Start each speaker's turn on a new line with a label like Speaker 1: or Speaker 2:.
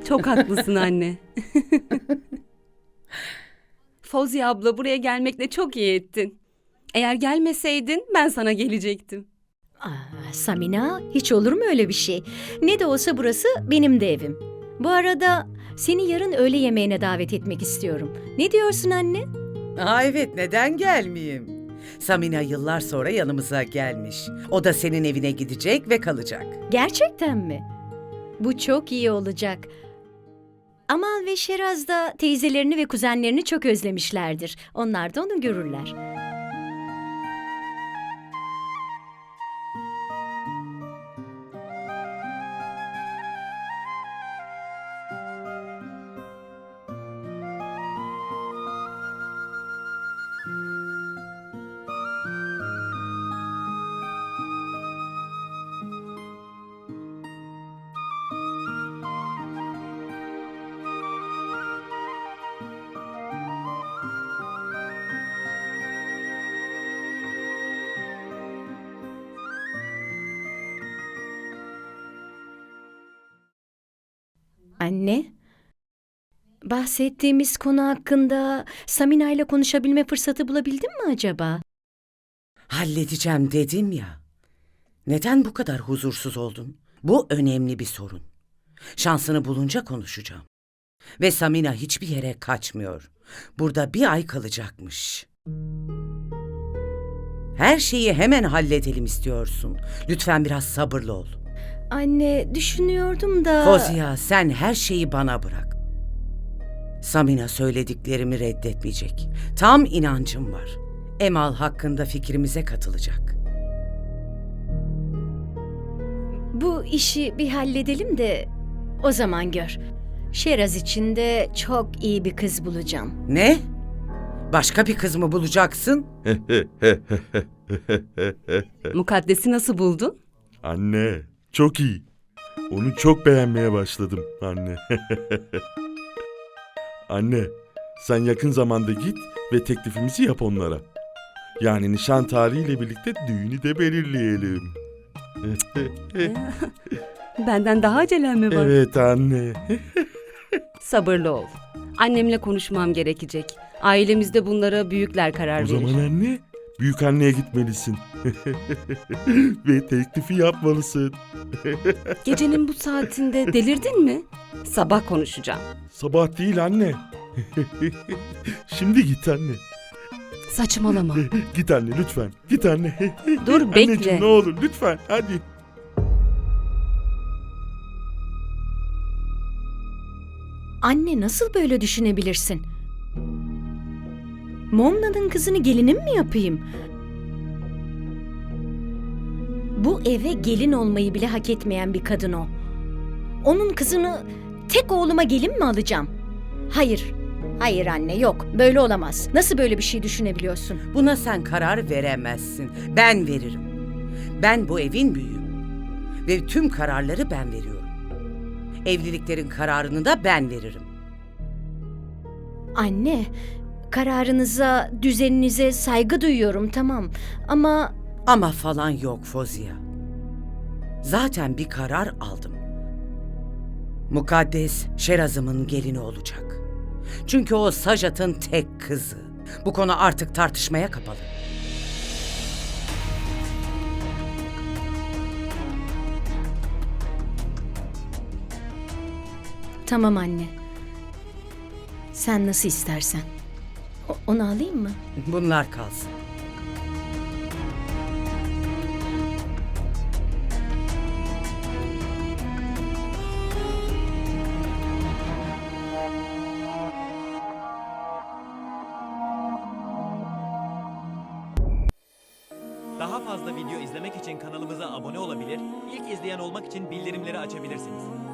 Speaker 1: Çok haklısın anne. Fauziye abla buraya gelmekle çok iyi ettin. Eğer gelmeseydin ben sana gelecektim.
Speaker 2: Samina, hiç olur mu öyle bir şey? Ne de olsa burası benim de evim. Bu arada seni yarın öğle yemeğine davet etmek istiyorum. Ne diyorsun anne?
Speaker 3: Evet, neden gelmeyeyim? Samina yıllar sonra yanımıza gelmiş. O da senin evine gidecek ve kalacak.
Speaker 2: Gerçekten mi? Bu çok iyi olacak. Amal ve Şeraz da teyzelerini ve kuzenlerini çok özlemişlerdir. Onlar da onu görürler. Anne, bahsettiğimiz konu hakkında Samina ile konuşabilme fırsatı bulabildin mi acaba?
Speaker 3: Halledeceğim dedim ya. Neden bu kadar huzursuz oldun? Bu önemli bir sorun. Şansını bulunca konuşacağım. Ve Samina hiçbir yere kaçmıyor. Burada bir ay kalacakmış. Her şeyi hemen halledelim istiyorsun. Lütfen biraz sabırlı ol.
Speaker 2: Anne, düşünüyordum da...
Speaker 3: Fauziye, sen her şeyi bana bırak. Samina söylediklerimi reddetmeyecek. Tam inancım var. Emal hakkında fikrimize katılacak.
Speaker 2: Bu işi bir halledelim de o zaman gör. Şeraz için de çok iyi bir kız bulacağım.
Speaker 3: Ne? Başka bir kız mı bulacaksın?
Speaker 1: Mukaddes'i nasıl buldun?
Speaker 4: Anne, çok iyi. Onu çok beğenmeye başladım anne. Anne, sen yakın zamanda git ve teklifimizi yap onlara. Yani nişan tarihiyle birlikte düğünü de belirleyelim.
Speaker 1: Benden daha acelem mi var?
Speaker 4: Evet anne.
Speaker 1: Sabırlı ol. Annemle konuşmam gerekecek. Ailemizde bunlara büyükler karar
Speaker 4: O
Speaker 1: verir.
Speaker 4: zaman anne, büyük anneye gitmelisin. Ve teklifi yapmalısın.
Speaker 1: Gecenin bu saatinde delirdin mi? Sabah konuşacağım.
Speaker 4: Sabah değil anne. Şimdi git anne.
Speaker 1: Saçmalama.
Speaker 4: Git anne lütfen. Git anne.
Speaker 1: Dur, bekle.
Speaker 4: Anneciğim ne olur lütfen hadi.
Speaker 2: Anne, nasıl böyle düşünebilirsin? Momna'nın kızını gelinim mi yapayım? Bu eve gelin olmayı bile hak etmeyen bir kadın o. Onun kızını tek oğluma gelin mi alacağım? Hayır. Hayır anne, yok. Böyle olamaz. Nasıl böyle bir şey düşünebiliyorsun?
Speaker 3: Buna sen karar veremezsin. Ben veririm. Ben bu evin büyüğüm. Ve tüm kararları ben veriyorum. Evliliklerin kararını da ben veririm.
Speaker 2: Anne, kararınıza, düzeninize saygı duyuyorum, tamam. Ama
Speaker 3: Ama falan yok Fauziye. Zaten bir karar aldım. Mukaddes Şeraz'ımın gelini olacak. Çünkü o Sajat'ın tek kızı. Bu konu artık tartışmaya kapalı.
Speaker 2: tamam anne. Sen nasıl istersen. Onu alayım mı?
Speaker 3: Bunlar kalsın.
Speaker 5: Daha fazla video izlemek için kanalımıza abone olabilir, ilk izleyen olmak için bildirimleri açabilirsiniz.